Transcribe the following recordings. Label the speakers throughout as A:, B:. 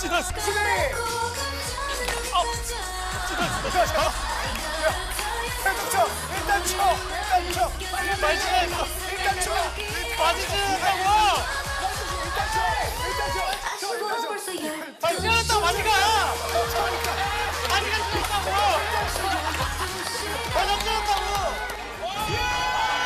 A: 찢었어.
B: 일단 쳐.
A: 많이 찢었어.
B: 일단 쳐.
A: 많이 찢었다고. 많이 찢었다고 많이 가. 많이 가 찢었다고. 많이 찢었다고.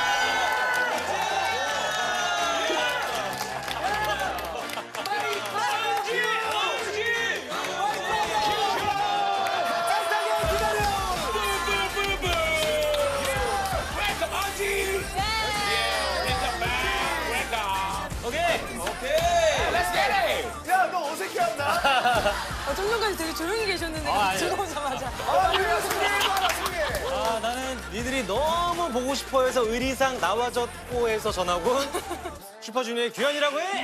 B: 야, 너 어색해한다.
C: 좀 전까지 되게 조용히 계셨는데 들어오자마자.
D: 아, 나는 니들이 너무 보고 싶어 해서 의리상 나와줬고 해서 전화고 슈퍼주니어의 규현이라고 해!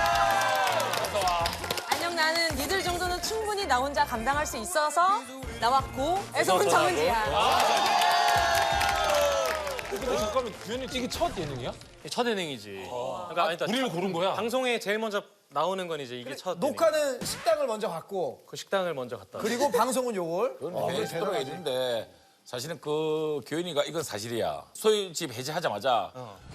C: 안녕, 나는 니들 정도는 충분히 나 혼자 감당할 수 있어서 나왔고 해서 정은지야.
A: 근데 잠깐만, 규현이 이게 첫 예능이야?
D: 첫 예능이지. 그러니까 아니,
A: 우리를 고른 거야?
D: 방송에 제일 먼저 나오는 건 이제 이게 첫 예능.
B: 녹화는 식당을 먼저 갔고
D: 그 식당을 먼저 갔다.
B: 그리고 방송은 요걸.
E: 베스트로 해주는데 사실은 그 교현이가 이건 사실이야. 소유집 해제하자마자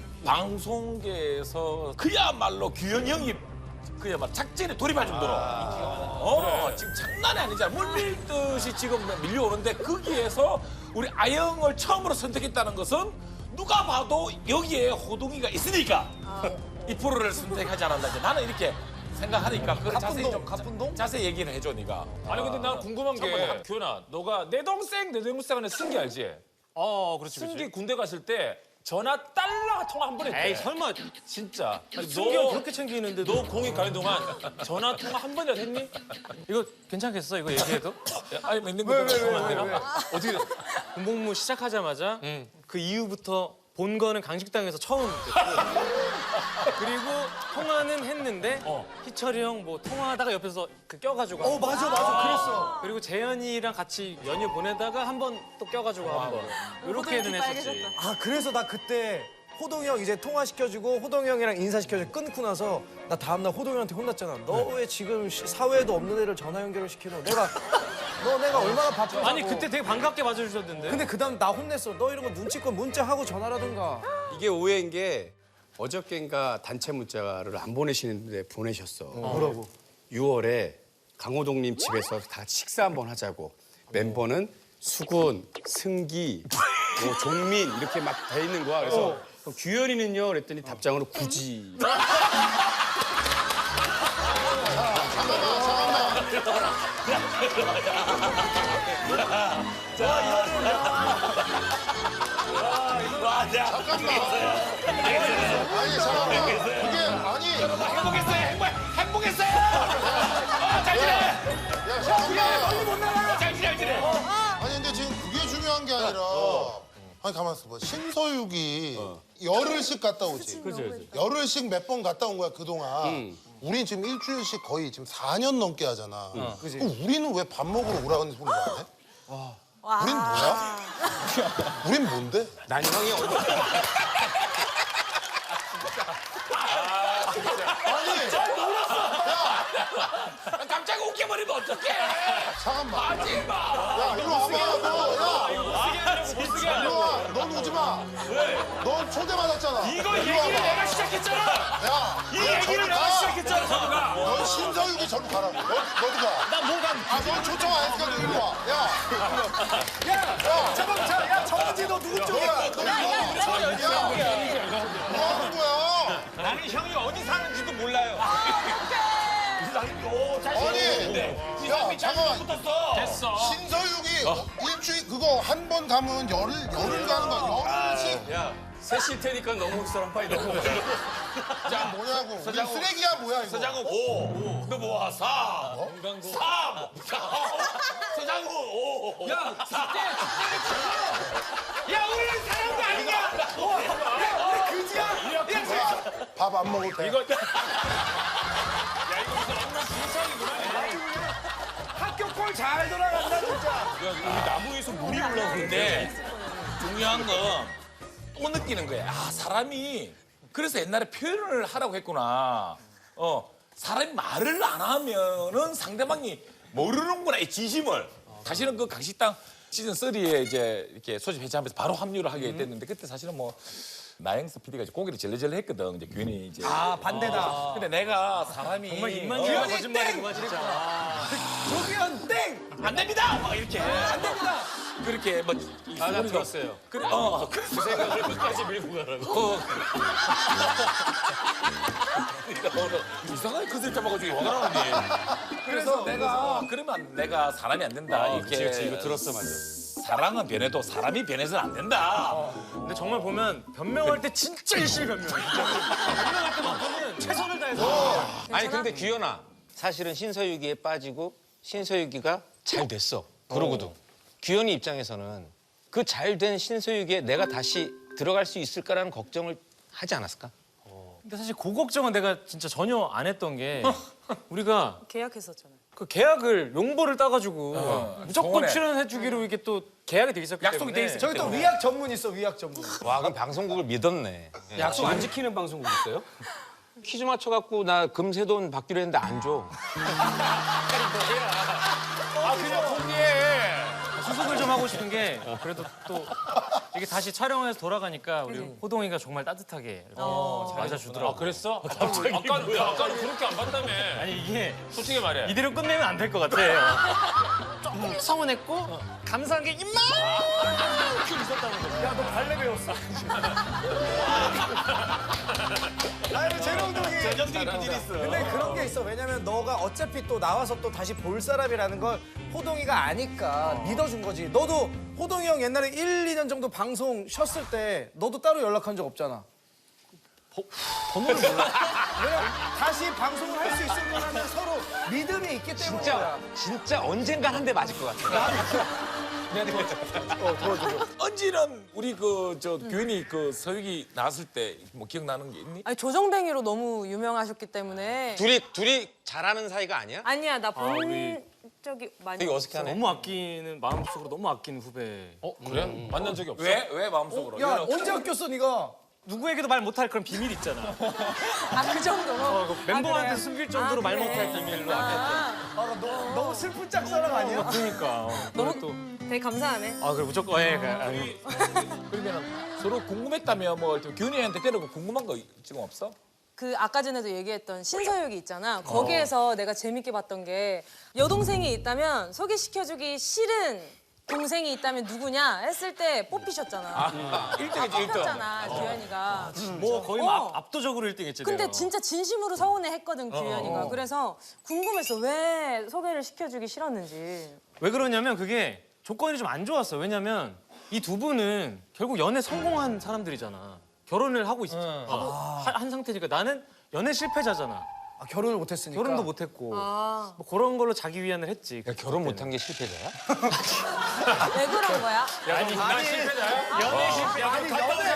E: 방송계에서 그야말로 규현이 형이 그야말로 작전에 돌입할 정도로 지금 장난이 아니잖아. 물밀듯이 지금 밀려오는데 거기에서 우리 아영을 처음으로 선택했다는 것은 누가 봐도 여기에 호동이가 있으니까 이 프로를 선택하지 않았나. 이제 나는 이렇게 생각하니까 그걸 자세히 좀 자세히 얘기를 해줘 네가.
A: 아니 근데 난 궁금한 게 규현아, 너가 내 동생 하는 승기 알지?
D: 그렇지,
A: 승기 군대 갔을 때 전화 달러 통화 한 번 했대.
D: 에이, 설마
A: 진짜. 아니,
D: 승기 형 그렇게 챙기는데
A: 너 공익 가는 동안 전화 통화 한 번이라도 했니?
D: 이거 괜찮겠어? 이거 얘기해도?
E: 아니 뭐 있는 거
B: 왜?
A: 어떻게?
D: 군복무 시작하자마자 그 이후부터 본 거는 강식당에서 처음 됐고 그리고 통화는 했는데 희철이 형 뭐 통화하다가 옆에서 그 껴가지고
B: 맞아. 그랬어.
D: 그리고 재현이랑 같이 연휴 보내다가 한 번 또 껴가지고 한번 이렇게는 했었지.
B: 아, 그래서 나 그때 호동이 형 이제 통화시켜주고 호동이 형이랑 인사시켜주고 끊고 나서 나 다음날 호동이 형한테 혼났잖아. 너 왜 지금 사회에도 없는 애를 전화 연결을 시키노? 내가 얼마나 바쁜지.
D: 아니 그때 되게 반갑게 맞아주셨는데.
B: 근데 그다음 나 혼냈어. 너 이런 거 눈치껏 문자하고 전화라든가.
F: 이게 오해인 게 어저께인가 단체 문자를 안 보내시는데 보내셨어.
B: 뭐라고?
F: 6월에 강호동님 집에서 다 같이 식사 한번 하자고. 멤버는 수근, 승기, 뭐 종민 이렇게 막 돼 있는 거야. 그래서 그럼 규현이는요? 그랬더니 답장으로 굳이.
G: 아니 잠깐만 그게 아니
E: 행복했어요. 잘 지내.
G: 야 잠깐만
E: 잘 지내.
G: 아니 근데 지금 그게 중요한 게 아니라 아니 가만 있어봐 신서유기 열흘씩 갔다 오지 열흘씩 몇 번 갔다 온 거야 그동안 우린 지금 일주일씩 거의 지금 4년 넘게 하잖아 그럼 우리는 왜 밥 먹으러 오라는 소리를 안 해? 우린 뭐야? 우린 뭔데?
F: 난 형이
E: 갑자기 웃겨버리면 어떡해?
G: 잠깐만
E: 하지 마.
G: 야 이리 와봐 너 이리 와넌 오지 마넌 초대 받았잖아
A: 이거
G: 이리
A: 얘기를
G: 와봐.
A: 내가 시작했잖아.
G: 야,
A: 이 얘기를 내가 시작했잖아, 정우가.
G: 넌 신서유기 저리 가라고. 너도 가.
A: 나 뭐가
G: 아, 넌 초청 안 했으니까 너 이리 와. 야,
B: 잠깐만, 야, 정은지 너 누구 쪽이야?
G: 뭐 하는 거야?
A: 나는 형이 어디 사는지도 몰라요.
G: 아니, 야, 잠깐만.
A: 됐어.
G: 신서유기 일주일 그거 한 번 가면 열흘 가는 거야. 열흘씩.
F: 야, 셋일 테니까 너무 사람 빨리 넘어가.
G: 자, 뭐냐고. 우리 쓰레기야, 뭐야, 이거.
E: 서장훈 5. 너 뭐야? 4. 3. 서장훈 5.
A: 야, 야, 우리는 사람도 아니냐? 야, 우리 그지야?
G: 밥 안 먹을 때.
A: 이거. 야, 이거 무슨 엄마 진상이구나.
B: 학교 꼴 잘 돌아간다, 진짜.
A: 우리 나무에서 물이
E: 근데 중요한 건 또 느끼는 거야. 아, 사람이 그래서 옛날에 표현을 하라고 했구나. 사람이 말을 안 하면은 상대방이 모르는구나 이 진심을. 사실은 그 강식당 시즌 3에 이제 이렇게 소집 해체하면서 바로 합류를 하게 됐는데 그때 사실은 뭐 나영석 PD가 이제 고개를 절레절레 했거든. 이제 규현이 이제.
B: 반대다.
E: 근데 내가 사람이
D: 정말 입만 열면 거짓말이구만 진짜.
B: 조기현 땡.
E: 안 됩니다. 막 이렇게 안 됩니다. 그렇게 뭐
F: 나 들었어요.
E: 그래
F: 그 생각을 끝까지 밀고 가라고.
E: 이상하게 그슬 잡아가지고 화가 나는데. 그래서 내가 그러면 내가 사람이 안 된다. 이렇게
F: 그치, 이거 들었어, 맞아.
E: 사랑은 변해도 사람이 변해서는 안 된다.
D: 근데 정말 보면 변명할 때 진짜 열심히 변명해. 진짜. 변명할 때만큼은 최선을 다해서.
H: 아니 근데 규현아 사실은 신서유기에 빠지고 신서유기가 잘 됐어. 그러고도 규현이 입장에서는 그 잘 된 신서유기에 내가 다시 들어갈 수 있을까라는 걱정을 하지 않았을까?
D: 근데 사실 그 걱정은 내가 진짜 전혀 안 했던 게 우리가
C: 계약했었잖아요.
D: 그 계약을 용보를 따가지고 무조건
E: 정원에.
D: 출연해주기로 이렇게 또 계약이 돼 있었기
E: 약속이
D: 때문에
E: 돼 있었기
B: 저기 또 위약 전문 있어, 위약 전문.
H: 와 그럼 방송국을 믿었네.
F: 약속 안 지키는 방송국 있어요?
H: 퀴즈 맞춰갖고 나 금세돈 받기로 했는데 안 줘.
D: 수습을 좀 하고 싶은 게 그래도 또 이게 다시 촬영해서 돌아가니까 우리 호동이가 정말 따뜻하게 이렇게 맞아주더라고.
E: 그랬어? 갑자기 아까는 그렇게 안 봤다며.
D: 아니 이게
E: 솔직히 말해.
D: 이대로 끝내면 안 될 것 같아요. 조금 서운했고 감사한 게 이만큼 있었다는 거지.
B: 야, 너 발레 배웠어. 아니, 재롱동이.
E: 전형적인 비즈니스.
B: 근데 그런 게 있어. 왜냐면 너가 어차피 또 나와서 또 다시 볼 사람이라는 걸 호동이가 아니까 믿어준 거지. 너도 호동이 형 옛날에 1, 2년 정도 방송 쉬었을 때 너도 따로 연락한 적 없잖아.
D: 번호를 몰라.
B: 왜냐면 다시 방송을 할 수 있을 거라는 서로 믿음이 있기 때문이야.
H: 진짜 언젠간 한 대 맞을 것 같아.
E: 언지는 우리 규현이 그 서유기 나왔을 때 뭐 기억나는 게 있니?
C: 아니 조정뱅이로 너무 유명하셨기 때문에.
H: 둘이 잘하는 사이가 아니야?
C: 아니야 나 본 적이 많이.
H: 되게 어색하네.
D: 너무 아끼는 마음속으로 너무 아끼는 후배.
E: 그래? 만난 적이 없어? 왜 마음속으로?
B: 야, 언제 아꼈어, 네가?
D: 누구에게도 말 못할 그런 비밀 있잖아.
C: 아그 정도로.
D: 멤버한테
C: 그래요?
D: 숨길 정도로 말
C: 그래.
D: 못할 비밀로.
B: 너무 슬픈 짝사랑 아니야?
D: 그러니까.
C: 너무
D: 또.
C: 되게 감사하네.
D: 아 그래 무조건 아니,
E: 그러면 서로 궁금했다면 뭐 규현이한테 때리고 궁금한 거 지금 없어?
C: 그 아까 전에도 얘기했던 신서유기 있잖아. 거기에서 내가 재밌게 봤던 게 여동생이 있다면 소개시켜주기 싫은 동생이 있다면 누구냐 했을 때 뽑히셨잖아.
E: 1등이지 1등.
C: 뽑혔잖아 규현이가.
D: 뭐 거의
C: 어.
D: 압도적으로 1등했지.
C: 근데
D: 내가.
C: 진짜 진심으로 서운해했거든 규현이가. 그래서 궁금했어 왜 소개를 시켜주기 싫었는지.
D: 왜 그러냐면 그게 조건이 좀 안 좋았어. 왜냐면 이 두 분은 결국 연애 성공한 사람들이잖아. 결혼을 하고 한 상태니까 나는 연애 실패자잖아.
B: 아, 결혼을 못했으니까.
D: 결혼도 못했고
C: 아.
D: 뭐 그런 걸로 자기 위안을 했지.
H: 야, 결혼 못한 게 실패자야?
C: 왜 그런 거야?
D: 연애 실패.
B: 아니,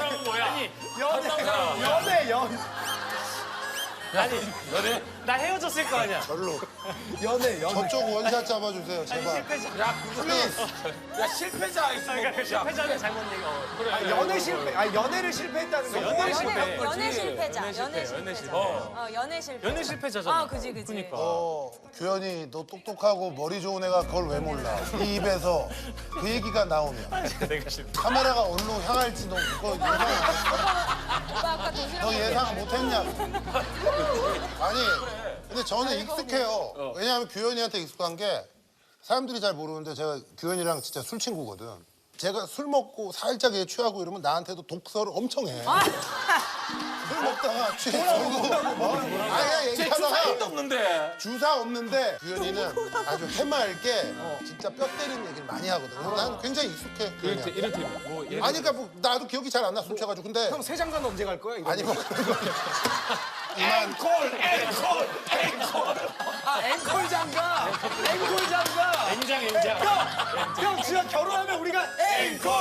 B: 연애.
D: 나 헤어졌을 거 아니야.
B: 연애.
G: 저쪽 원샷 잡아주세요, 제발.
E: 야 실패자 있으면
D: 그러니까 실패자는 잘못 얘기. 그래.
B: 아, 연애 실패. 아, 연애를 실패했다는 거.
D: 연애 실패.
C: 연애 실패자. 연애
D: 연애
C: 실패자.
D: 실패.
C: 연애 실패.
D: 연애 실패자잖아.
C: 아 그지.
D: 그러니까.
G: 규현이 너 똑똑하고 머리 좋은 애가 그걸 왜 몰라? 이 입에서 그 얘기가 나오면
D: 내가 실패.
G: 카메라가 어디로 향할지 너 그거 예상,
C: 오빠 아까 도시락
G: 너 예상 못했냐? 아니, 근데 저는 익숙해요. 왜냐하면 규현이한테 익숙한 게 사람들이 잘 모르는데 제가 규현이랑 진짜 술 친구거든. 제가 술 먹고 살짝 취하고 이러면 나한테도 독서를 엄청 해. 술 먹다가 취해서 아니 얘기하다가
E: 주사위도 없는데.
G: 주사 없는데 규현이는 아주 해맑게 진짜 뼈 때리는 얘기를 많이 하거든. 그래서 난 굉장히 익숙해. 규현이한테.
E: 이를테면 뭐
G: 아니 그러니까 뭐 나도 기억이 잘 안 나 술 취해가지고 근데
B: 형 세장관 언제 갈 거야? 이런
G: 아니
B: 거.
G: 뭐 그런 거 이만
B: 앵콜 장가. 앵콜 장가.
D: 엔장.
B: 형 진짜 결혼하면 우리가 앵콜.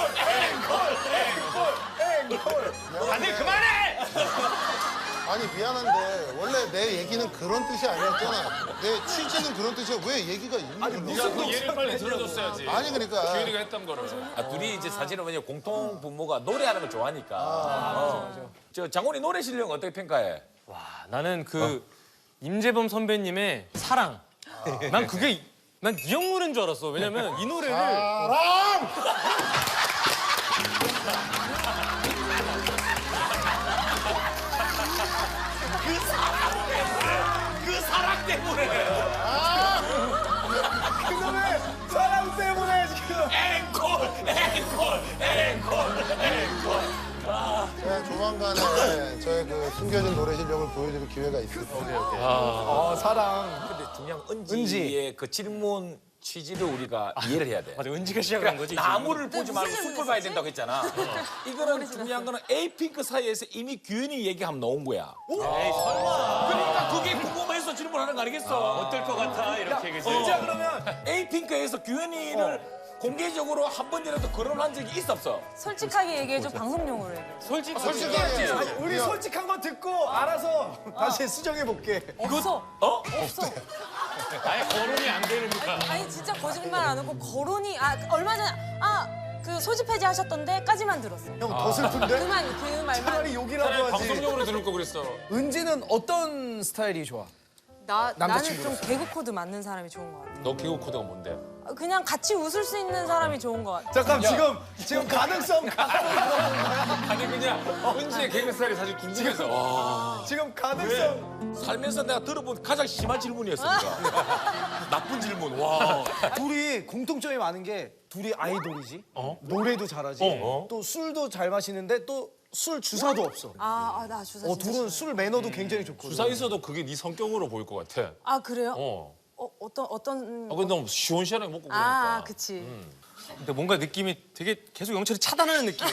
D: 다들 그만해.
G: 아니 미안한데 원래 내 얘기는 그런 뜻이 아니었잖아. 내 취지는 그런 뜻이야. 왜 얘기가 있는 거야?
E: 네가 그 예를 빨리 들어줬어야지.
G: 아니 그러니까
E: 규현이가 했던 거를. 둘이 이제 사실은 왜냐 공통 부모가 노래하는 걸 좋아하니까. 저 장훈이 노래 실력 어떻게 평가해?
D: 나는 그 임재범 선배님의 사랑. 난 그게 난 이 형 노래인 줄 알았어. 왜냐면 이 노래를
G: 사랑!
E: 그 사랑 때문에.
B: 그놈의 사랑 때문에 지금.
G: 네, 조만간에 저의 그 숨겨진 노래 실력을 보여드릴 기회가 있을 거예요.
B: 사랑.
E: 근데 중요한 은지의 그 질문 취지를 우리가 이해를 해야 돼.
D: 맞아, 은지가 시작한 거지.
E: 나무를 보지 말고
C: 무슨
E: 숲을 봐야 된다고 했잖아. 이거는 중요한 거는 에이핑크 사이에서 이미 규현이 얘기하면 나온 거야.
D: 에이, 설마.
E: 그러니까 그게 궁금해서 질문하는 거 아니겠어?
D: 어떨 것 같아 이렇게 그지.
B: 진짜 그러면
E: 에이핑크에서 규현이를 공개적으로 한 번이라도 거론한 적이 있어 없어?
C: 솔직하게 얘기해줘. 방송용으로 얘기해.
G: 솔직하게.
B: 아니, 우리 솔직한 거 듣고 알아서 다시 수정해 볼게.
C: 없어.
E: 어?
C: 없어.
D: 아예 거론이 안 되는 거야.
C: 아니 진짜 거짓말 안 하고 거론이 얼마 전에 그 소집 해제하셨던데까지만 들었어.
B: 형 더 슬픈데?
C: 그 말만.
B: 차라리 욕이라도 하지.
D: 방송용으로 들을 거 그랬어.
B: 은지는 어떤 스타일이 좋아?
C: 나는
B: 남자친구로서.
C: 좀 개그 코드 맞는 사람이 좋은 것 같아.
E: 너 개그 코드가 뭔데?
C: 그냥 같이 웃을 수 있는 사람이 좋은 것 같아.
B: 잠깐 지금 가능성
E: 아니 그냥 은지의 개그 스타일이 사실 궁금해서.
B: 지금 가능성
E: 살면서 내가 들어본 가장 심한 질문이었어. 나쁜 질문. 와.
B: 둘이 공통점이 많은 게 둘이 아이돌이지. 노래도 잘하지. 또 술도 잘 마시는데 또 술 주사도 없어.
C: 나 주사 진짜
B: 둘은
C: 싫어해.
B: 술 매너도 굉장히 좋거든.
E: 주사 있어도 그게 네 성격으로 보일 것 같아.
C: 아 그래요?
E: 어.
C: 어떤
E: 근데 너무 시원시원하게 먹고 그러니까.
C: 그치.
D: 근데 뭔가 느낌이 되게 계속 영철이 차단하는 느낌이야.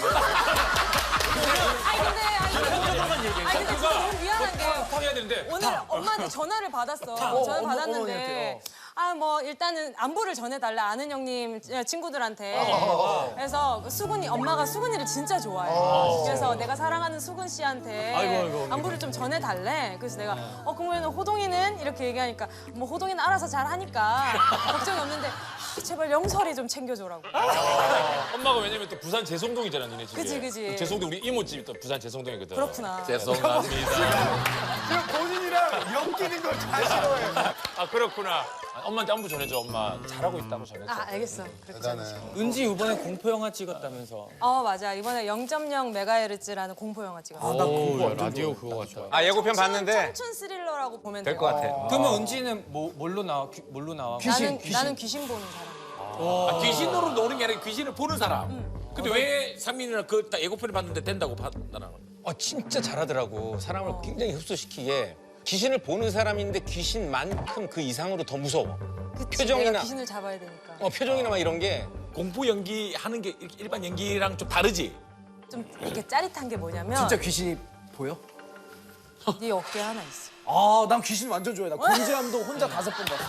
C: 아니 근데 진짜 너무 미안한 게
E: 해야 되는데.
C: 오늘 엄마한테 전화를 받았어. 전화 받았는데
B: 어머니한테,
C: 뭐 일단은 안부를 전해달라 아는 형님 친구들한테. 그래서 수근이 엄마가 수근이를 진짜 좋아해. 그래서 내가 사랑하는 수근 씨한테 안부를 좀 전해달래. 그래서 내가 그러면 호동이는 이렇게 얘기하니까 뭐 호동이는 알아서 잘하니까 걱정이 없는데 제발 영설이 좀 챙겨줘라고.
E: 엄마가 왜냐면 또 부산 재송동이잖아, 니네 집이.
C: 그치, 그치.
E: 재송동 우리 이모집이 또 부산 재송동이거든.
C: 그렇구나.
E: 죄송합니다.
B: 지금 본인이랑 엮이는 걸 다 싫어해.
E: 아 그렇구나. 엄마한테 안부 전해줘. 엄마 잘하고 있다고 전해줘.
C: 알겠어. 그렇게
G: 대단해.
D: 은지 이번에 공포 영화 찍었다면서.
C: 맞아. 이번에 0.0 메가헤르츠라는 공포 영화 찍었어.
F: 오, 라디오 그거 같다.
H: 예고편 봤는데
C: 청춘 스릴러라고 보면
H: 될 것 같아.
D: 그러면 은지는 뭘로 나와? 뭘로 나와?
C: 나는 귀신 보는 사람.
E: 귀신으로 노는 게 아니라 귀신을 보는 사람. 근데 왜 상민이는 그 딱 예고편을 봤는데 된다고 판단하는 거야?
H: 진짜 잘하더라고. 사람을 굉장히 흡수시키게. 귀신을 보는 사람인데 귀신만큼 그 이상으로 더 무서워.
C: 그치,
H: 표정이나
C: 내가 귀신을 잡아야 되니까.
H: 표정이나 막 이런 게
E: 공포 연기 하는 게 이렇게 일반 연기랑 좀 다르지?
C: 좀 이렇게 짜릿한 게 뭐냐면
B: 진짜 귀신이 보여?
C: 네 어깨에 하나 있어.
B: 난 귀신 완전 좋아해. 나 곤지암도 혼자 5번 봤어.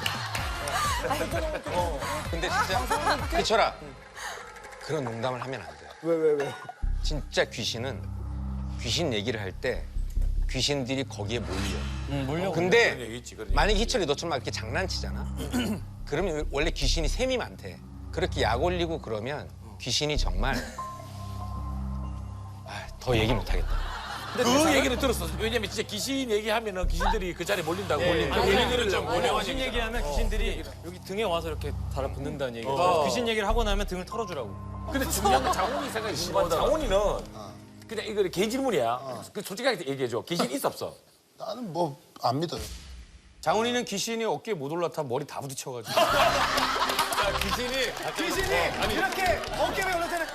H: 근데 진짜 그쳐라 그런 농담을 하면 안 돼.
B: 왜?
H: 진짜 귀신은 귀신 얘기를 할 때 귀신들이 거기에 몰려. 근데
E: 그런 얘기 있지, 그런 얘기.
H: 만약에 희철이 너처럼 막 이렇게 장난치잖아. 그러면 원래 귀신이 셈이 많대. 그렇게 약 올리고 그러면 귀신이 정말 더 얘기 못 하겠다.
E: 그 얘기를 들었어. 왜냐면 진짜 귀신 얘기하면은 귀신들이 그 자리에 몰린다고.
D: 귀신들은 좀 귀신 얘기하면 귀신들이 여기 등에 와서 이렇게 달아붙는다는 얘기예요. 귀신 얘기를 하고 나면 등을 털어주라고.
E: 근데 중요한 건 장훈이 생각이 있는 장훈이는 그냥 이거 개 질문이야. 그 솔직하게 얘기해줘. 귀신 있어 없어?
G: 나는 뭐 안 믿어요.
F: 장훈이는 귀신이 어깨에 못 올라타 머리 다 부딪혀가지고.
B: 귀신이 이렇게 어깨에 올릴 때는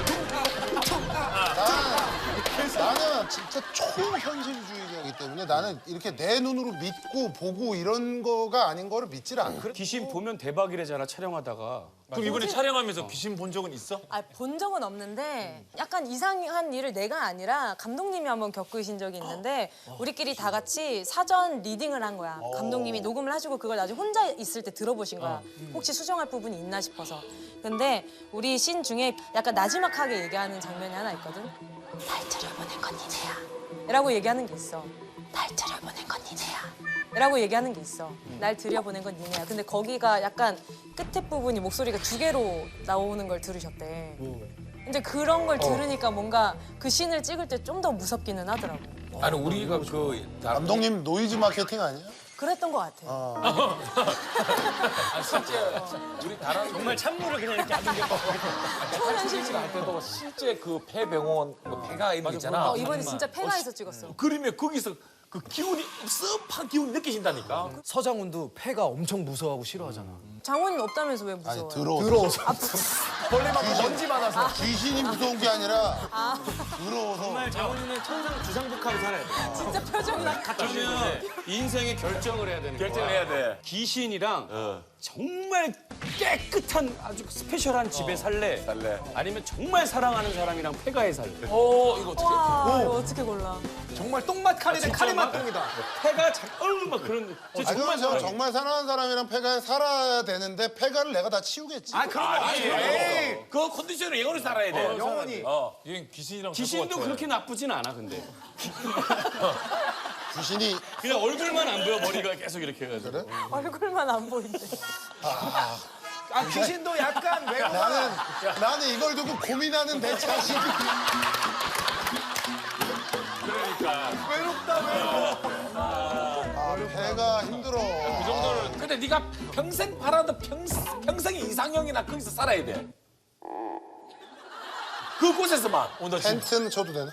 G: 나는 진짜 초현실주의자이기 때문에 나는 이렇게 내 눈으로 믿고 보고 이런 거가 아닌 거를 믿지를 않아.
F: 귀신 보면 대박이래잖아 촬영하다가.
E: 그럼 이번에 촬영하면서 귀신 본 적은 있어?
C: 본 적은 없는데 약간 이상한 일을 내가 아니라 감독님이 한번 겪으신 적이 있는데 우리끼리 다 같이 사전 리딩을 한 거야. 감독님이 녹음을 하시고 그걸 나중에 혼자 있을 때 들어보신 거야. 혹시 수정할 부분이 있나 싶어서. 근데 우리 씬 중에 약간 나지막하게 얘기하는 장면이 하나 있거든. 날 들여보낸 건 니네야. 라고 얘기하는 게 있어. 날 들여보낸 건 니네야. 라고 얘기하는 게 있어. 날 들여보낸 건 니네야. 근데 거기가 약간 끝에 부분이 목소리가 2개로 나오는 걸 들으셨대. 근데 그런 걸 들으니까 뭔가 그 씬을 찍을 때 좀 더 무섭기는 하더라고.
E: 아니 우리가 그
G: 감독님 노이즈 마케팅 아니야?
C: 그랬던 것 같아.
E: 아, 실제 우리 다른
D: 정말 찬물을 그냥 이렇게 아는 게
C: 초현실주의.
E: 할 때도 실제 그 폐병원 뭐 폐가 있는 거 있잖아.
C: 이번에 진짜 폐가에서 찍었어.
E: 그러면 거기서 그 기운이 습한 기운이 느끼신다니까.
B: 서장훈도 폐가 엄청 무서워하고 싫어하잖아.
C: 장훈이는 없다면서 왜
G: 아니
C: 무서워?
G: 더러워서.
B: 벌레 맞고 먼지 많아서.
G: 귀신이 무서운 게 아니라 더러워서.
D: 정말 장훈이는 천상 주상복합을 살아야 돼.
C: 진짜 표정이 나.
F: 그러면 인생의 결정을 해야 되는 거야.
E: 결정을 해야 돼.
F: 귀신이랑 정말 깨끗한 아주 스페셜한 집에 살래? 아니면 정말 사랑하는 사람이랑 폐가에 살래?
E: 이거 어떻게?
C: 와, 이거 어떻게 골라?
B: 정말 똥맛 카레는 카레맛 똥이다.
F: 폐가 막 그런.
G: 정말 정말 사랑하는 사람이랑 폐가에 살아야 되는데 폐가를 내가 다 치우겠지.
B: 아 그런 거 아니지. 에이.
E: 그 컨디션으로 영원히 살아야 돼.
B: 영원히.
E: 얘 귀신이랑
F: 귀신도 그렇게 나쁘진 않아 근데.
G: 귀신이
F: 그냥 얼굴만 안 보여 머리가 계속 이렇게 해가지고.
G: 그래?
C: 얼굴만 안 보인대.
B: 아 귀신도 약간 외모가.
G: 나는 이걸 두고 고민하는 내 자신이.
B: 외롭다 외로워.
G: 아, 폐가 힘들어.
E: 그 정도를. 근데 네가 평생 바라도 평생 이상형이나 거기서 살아야 돼. 그곳에서만. 오늘
G: 텐트는 쳐도 되나?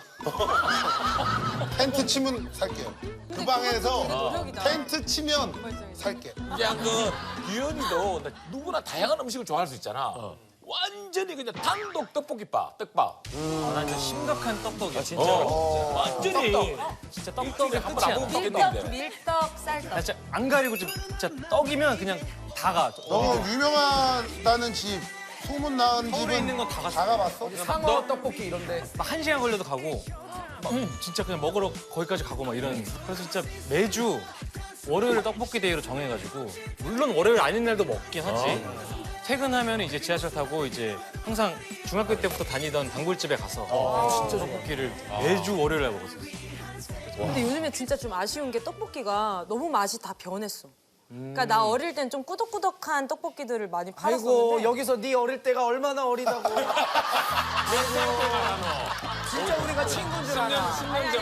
G: 텐트 치면 살게요. 그 방에서
C: 노력이다.
G: 텐트 치면 살게.
E: 그냥 그 규현이도 누구나 다양한 음식을 좋아할 수 있잖아. 완전히 그냥 단독 떡볶이밥, 떡밥.
D: 난 진짜 심각한 떡떡이야. 진짜.
E: 완전히.
D: 진짜 떡떡의
E: 한번 안
D: 끝이야.
E: 먹으면
C: 밀떡,
E: 먹겠는데.
C: 밀떡, 쌀떡.
D: 나 진짜 안 가리고 진짜 떡이면 그냥 다 가.
G: 유명하다는 집, 소문 나는
D: 서울에
G: 집은
D: 있는 건 다 갔어.
G: 다 가봤어?
B: 상어 떡볶이 이런데.
D: 막 1시간 걸려도 가고 막 진짜 그냥 먹으러 거기까지 가고 막 이런. 그래서 진짜 매주 월요일 떡볶이 데이로 정해가지고 물론 월요일 아닌 날도 먹긴 하지. 퇴근하면 이제 지하철 타고 이제 항상 중학교 때부터 다니던 단골집에 가서 진짜 떡볶이를 매주 월요일 날 먹었어요.
C: 근데 요즘에 진짜 좀 아쉬운 게 떡볶이가 너무 맛이 다 변했어. 그러니까 나 어릴 땐 좀 꾸덕꾸덕한 떡볶이들을 많이
B: 아이고
C: 팔았었는데
B: 여기서 네 어릴 때가 얼마나 어리다고. 진짜 우리가 친구인 줄 알아.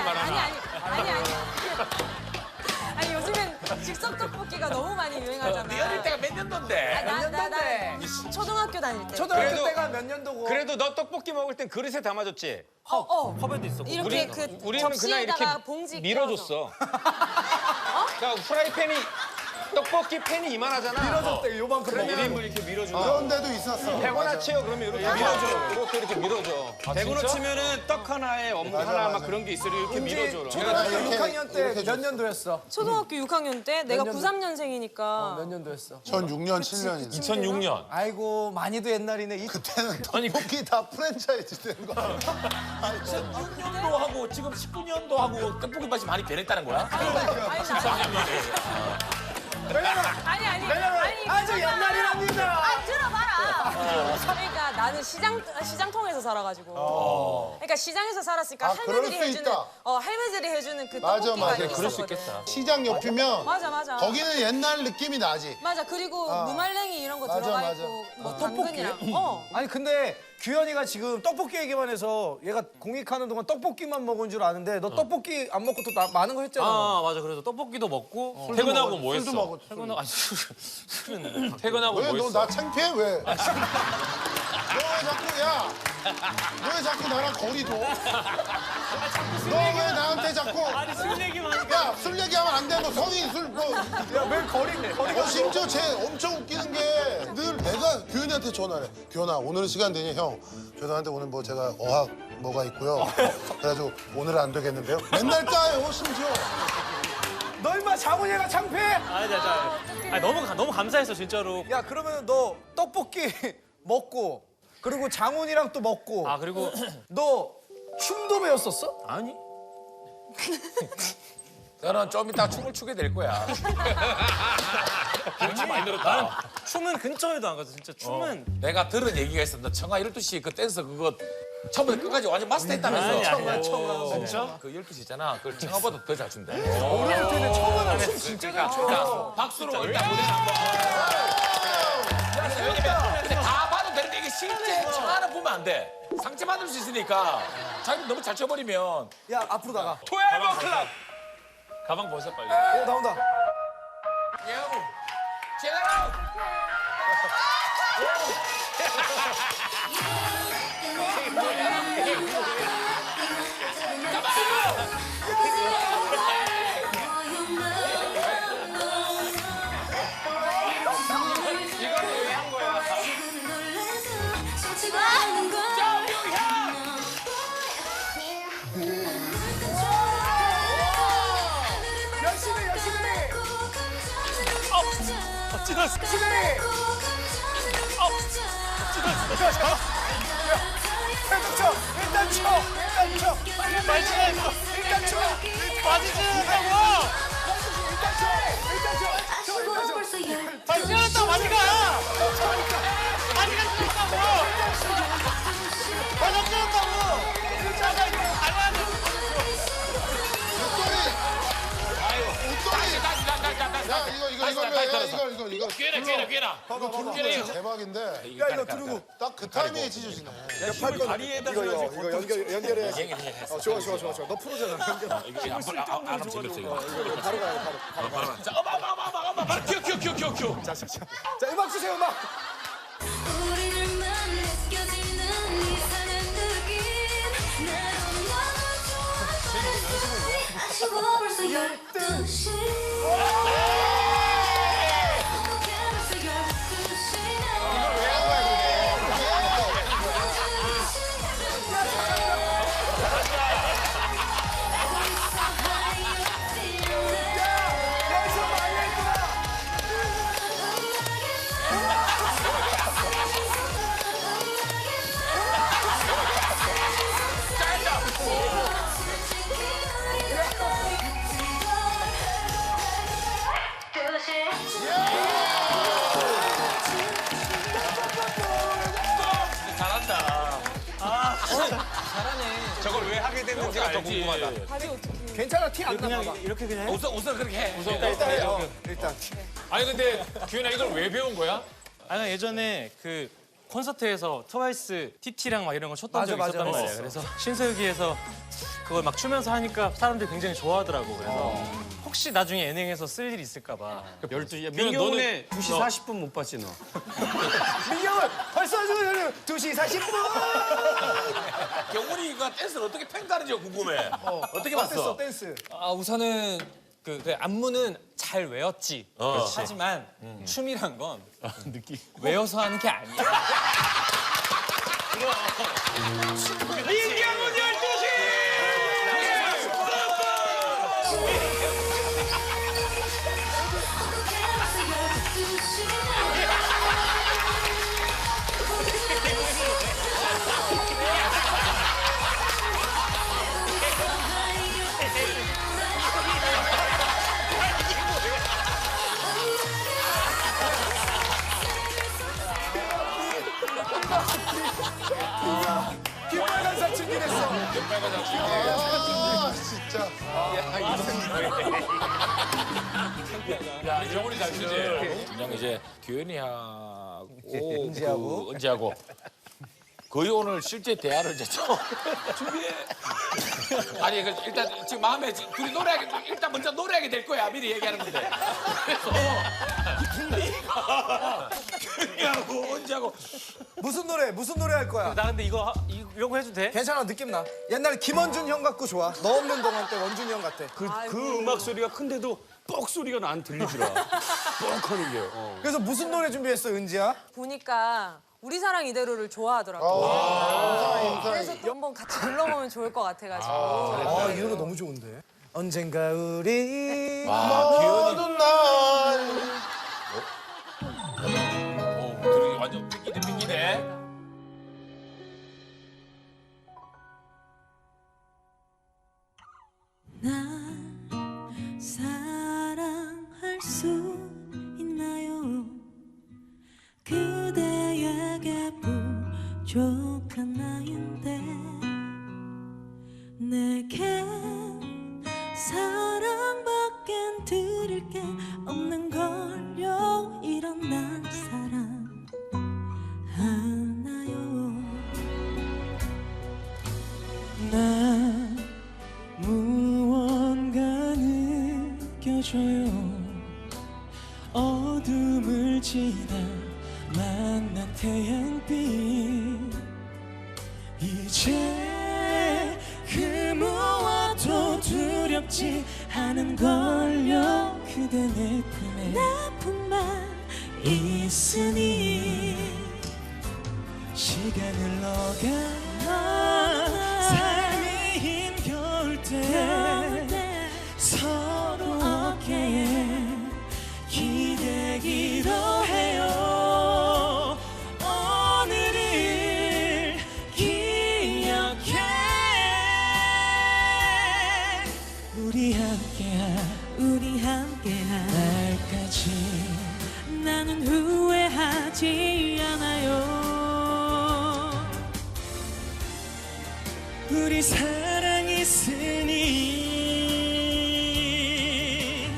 C: 아니 요즘엔 즉석 떡볶이가 너무 많이 유행하잖아.
E: 네 어릴 때가 몇 년도인데?
C: 나 초등학교 다닐 때.
B: 초등학교
H: 그래도-
B: 때가 몇 년도고.
H: 그래도 너 떡볶이 먹을 땐 그릇에 담아줬지?
D: 컵에도 있어.
C: 이렇게 그
H: 우리는 그냥 이렇게
C: 접시에다가 봉지
H: 밀어줬어. 그러니까 프라이팬이 떡볶이 팬이 이만하잖아.
B: 밀어줬대 요만큼
H: 그러면
B: 먹으면.
H: 1인분 이렇게 밀어주고.
G: 그런 데도 있었어.
H: 100원 치요 그러면 이렇게 밀어줘. 이렇게 밀어줘.
F: 100원 치면은 떡 하나에 어묵 하나 막 그런 게 있어 이렇게 밀어줘.
B: 초등학교
G: 이렇게-
B: 6학년 때
G: 이렇게
B: 몇 년도였어?
C: 초등학교 6학년 때 내가
B: 년도?
C: 93년생이니까
B: 몇 년도였어?
G: 전 6년, 7년이지.
E: 2006년.
B: 아이고 많이도 옛날이네.
G: 그때는 떡볶이 다 프랜차이즈 된 거.
E: 2006년도 하고 지금 19년도 하고 떡볶이 맛이 많이 변했다는 거야?
C: 아니
B: 아주 옛날이랍니다.
C: 들어봐라. 그러니까 나는 시장통에서 살아가지고. 그러니까 시장에서 살았으니까
G: 아, 그럴
C: 할매들이
G: 수
C: 해주는
G: 있다.
C: 할매들이 해주는 그
G: 맞아,
C: 떡볶이가
G: 맞아.
C: 있었거든.
E: 그럴 수 있겠다.
G: 시장 옆이면
C: 맞아.
G: 거기는 옛날 느낌이 나지.
C: 맞아. 그리고 무말랭이 이런 거
G: 맞아,
C: 들어가
G: 맞아.
C: 있고 뭐
B: 떡볶이?
C: 당근이랑.
B: 아니 근데 규현이가 지금 떡볶이 얘기만 해서 얘가 공익하는 동안 떡볶이만 먹은 줄 아는데 너 떡볶이 안 먹고 또 많은 거 했잖아.
D: 아 맞아. 그래서 떡볶이도 먹고
E: 퇴근하고 뭐
G: 술도
E: 했어?
G: 먹어.
D: 퇴근하고 술은
E: 퇴근하고
G: 왜
E: 뭐
G: 너
E: 했어?
G: 나 창피해 왜? 너 왜 자꾸 야? 너 왜 자꾸 나랑 거리 둬? 너 왜 나한테 자꾸?
D: 아니 술 얘기만 하니까
G: 야, 술 얘기하면 안 돼. 너 성인 술 뭐.
B: 야왜 거리가
G: 심지어 쟤 엄청 웃기는 게 늘 내가 규현이한테 전화를 해. 규현아, 오늘은 시간 되니 형. 죄송한데 오늘 뭐 제가 어학 뭐가 있고요. 그래가지고 오늘은 안 되겠는데요. 맨날 까요, 심지어.
B: 너 임마 장훈이가 창피해?
D: 아니 너무 감사했어 진짜로.
B: 야 그러면 너 떡볶이 먹고 그리고 장훈이랑 또 먹고
D: 아 그리고
B: 너 춤도 배웠었어?
D: 아니
E: 너는 좀 이따 춤을 추게 될 거야. 춤 많이 늘었다.
D: 춤은 근처에도 안 가서 진짜 춤은
E: 내가 들은 얘기가 있어. 너 청아 12시 그 댄스 그거 처음부터 끝까지 완전 마스터했다면서.
D: 진짜?
E: 그 12시 있잖아. 그걸 청아보다 더 잘 춘대.
B: 우리한테는 처음에는 춤 진짜 잘 춰.
E: 자, 박수로 일단 무대 한번. 근데 다 봐도 되는데 이게 실제 청아는 보면 안 돼. 상처 받을 수 있으니까 자기 너무 잘 춰버리면
B: 야 앞으로 나가.
E: 12 클럽. 가방 벗어 빨리.
B: 오 나온다. 일단 쳐. 일단 쳐.
D: 빠지지 않다고! 아니, 뛰어났다고 많이 가! 많이 갔다고! 맞아, 뛰어났다고!
G: 야 이거
E: 꽤나.
G: 대박인데.
B: 야 이거 들고.
G: 딱 그 타이밍에 찢어지네.
E: 다리에다
B: 이거 연결해야지. 좋아. 너 프로잖아. 연결.
E: 안 움직였어 이거.
B: 바로 가요. 바로.
E: 자, 바로 큐.
B: 자 음악 주세요 음악.
I: 우리들만 느껴지는 이상한 느낌 나도 너무 좋아 아쉬워 벌써 12시
H: 저걸 왜 하게 됐는지가 더 궁금하다.
B: 괜찮아 티 안 나.
D: 그냥 이렇게 그냥 해.
E: 웃어 그렇게 해.
B: 일단.
E: 아니 근데 규현아 이걸 왜 배운 거야?
D: 아니 예전에 그 콘서트에서 트와이스 TT랑 막 이런 거 쳤던 적이
B: 맞아.
D: 있었단 말이에요. 그래서 신서유기에서 그걸 막 추면서 하니까 사람들이 굉장히 좋아하더라고. 그래서 혹시 나중에 예능에서 쓸 일이 있을까 봐.
F: 12시. 민경훈의 2시 40분 못 봤지 너.
B: 민경은 벌써 2시 40분.
E: 경훈이가 댄스를 어떻게 팽다는지가 궁금해. 어떻게 봤어?
B: 댄스.
J: 아 우선은 그 안무는 잘 외웠지. 하지만 춤이란 건 외워서 하는 게 아니야.
E: 민경훈 12시!
B: 김빨간 사춘기 됐어.
G: 아 진짜.
E: 야, 이정훈이 잘 쓰지? 그냥 이제 규현이하고 은지하고 거의 오늘 실제 대화를 이제 처음 준비해. 아니 그 일단 지금 마음에 둘이 노래하게 일단 먼저 노래하게 될 거야 미리 얘기하는 건데. 그래서 우리가 규현이하고 은지하고
B: 무슨 노래 할 거야?
D: 나 근데 이런 거 해도 돼?
B: 괜찮아 느낌 나. 옛날 김원준 형 같고 좋아. 너 없는 동안 때 원준이 형 같아.
F: 그 음악 소리가 큰데도 뻑 소리가 난 들리더라. 뻑 하는 게.
B: 그래서 무슨 노래 준비했어 은지야?
C: 보니까 우리 사랑 이대로를 좋아하더라고. 그래서 또 한번 같이 불러보면 좋을 것 같아가지고.
B: 아 이 노래 너무 좋은데. 언젠가 우리
G: 모든 날.
E: 들으기 완전 삐끼네.
I: 날 사랑할 수 있나요? 그대에게 부족한 나인데 내겐 사랑밖엔 드릴 게 없는 걸요. 이런 날 사랑하나요?
J: 난 무언가 느껴져요. 어둠을 지나 만난 태양빛 이제 그 무엇도 두렵지 않은 걸요 그대 내 품에
I: 나뿐만 있으니
J: 시간을 흘러가 삶이 힘겨울 때 서로 어깨에 기대기로 해요 오늘을 기억해 우리 함께한 날까지
I: 나는 후회하지 않아요
J: 우리 사랑 있으니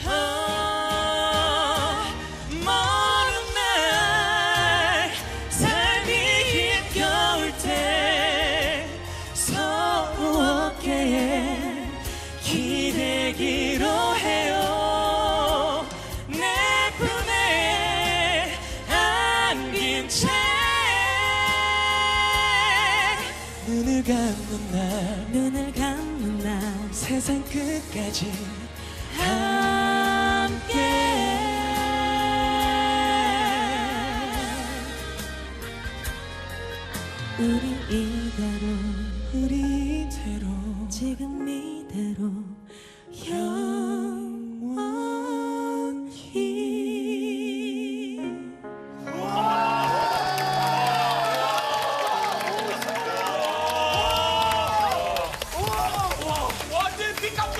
J: 먼 날 삶이 힘겨울 때 서로 어깨에 기대기로 해요 내 품에 안긴 채 눈을 감는 날 세상 끝까지 함께 우리 이대로
I: 지금 이대로 영원히
E: 완전 삐깜도.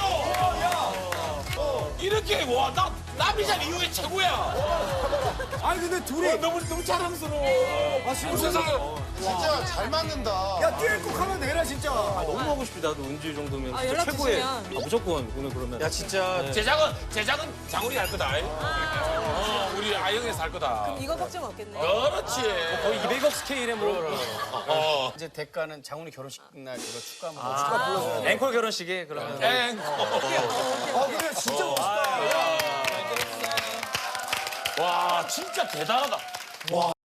E: 이렇게 와, 나 남이자 이후에 최고야.
B: 아니 근데 둘이
E: 너무 자랑스러워. 무슨
G: 진짜 잘 맞는다.
B: 야 듀엣 곡 하면 내라 진짜.
D: 너무 하고 싶지 나도 은지 정도면
C: 아,
D: 진짜
C: 연락
D: 최고의.
C: 주시면.
D: 무조건 오늘 그러면.
F: 야 진짜
E: 제작은 장훈이 할 거다. 우리 아영에서 할 거다.
C: 이거 걱정 없겠네.
E: 그렇지.
D: 거의 200억 스케일의 뭐.
F: 이제 대가는 장훈이 결혼식 날 그거 축가 한번
D: 앵콜 결혼식에 그러면.
B: 그래 진짜 멋있다.
E: 와, 진짜 대단하다. 와.